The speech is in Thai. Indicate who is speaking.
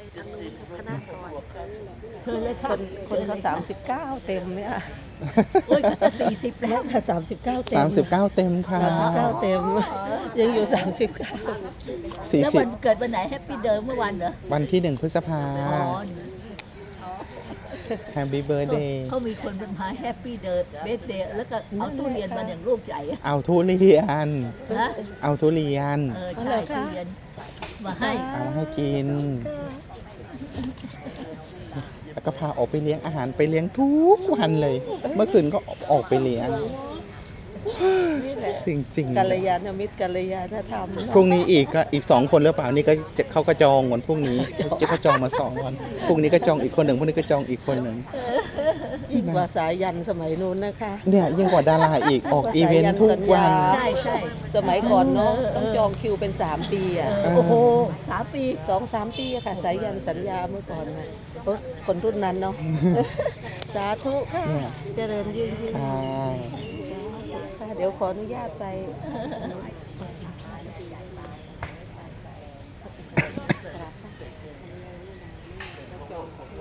Speaker 1: ทางนู้นคณะก่อน
Speaker 2: เชิญเลยค่ะ
Speaker 1: คนเขา39เต็มเนี่ย
Speaker 2: โอ้ยเขาจะ40แล้ว
Speaker 1: ค่ะ39เต็ม
Speaker 3: 39 เต็มค่ะ
Speaker 1: 39เต็มยังอยู่39
Speaker 2: แล้ววันเกิดวันไหนแฮปปี้เดิมเมื่อวันเหรอ
Speaker 3: วันที่ 1 พฤษภา
Speaker 2: อ๋อ
Speaker 3: Happy Birthday
Speaker 2: เขามีคนเป็นหาแฮปปี้เดิมเบสเดย์แล้วก็เอาตู้เรียนมาอย่างรูปใหญ่อะ
Speaker 3: เอาทุเรียน
Speaker 2: นะ
Speaker 3: เอาทุเรียน
Speaker 2: ใช่ตู้เรียนมาให้
Speaker 3: เอาให้กิน แล้วก็พาออกไปเลี้ยงอาหารไปเลี้ยงทุกวันเลย เมื่อคืนก็ออกไปเลี้ยง
Speaker 1: นี่แหละ
Speaker 3: จริง
Speaker 1: กัลยาณมิตรกัลยาณธรรม
Speaker 3: ๆพรุ่งนี้อีก2 คนหรือเปล่านี่ก็จะเขาก็จองวันพรุ่งนี้เขาจองมา2 วันพรุ่งนี้ก็จองอีกคนหนึ่งพรุ่งนี้ก็จองอีกคนหนึ่ง
Speaker 1: ยิ่งกว่าสายยันสมัยนู้นนะคะ
Speaker 3: เนี่ยยิ่งกว่าดาราอีกออกอีเวนต์ทุกวัน
Speaker 2: ใช่ใช่
Speaker 1: สมัยก่อนเนาะต้องจองคิวเป็น3 ปีอ่ะ
Speaker 2: โอ้โห3 ปี
Speaker 1: 2-3 ปีอะค่ะสายยันสัญญาเมื่อก่อนนะคนรุ่นนั้นเนาะ สาธุค่ะ
Speaker 3: เนี่ย
Speaker 1: เจริญยิ่ง
Speaker 3: ค่ะ
Speaker 1: ค่ะเดี๋ยวขออนุญาตไป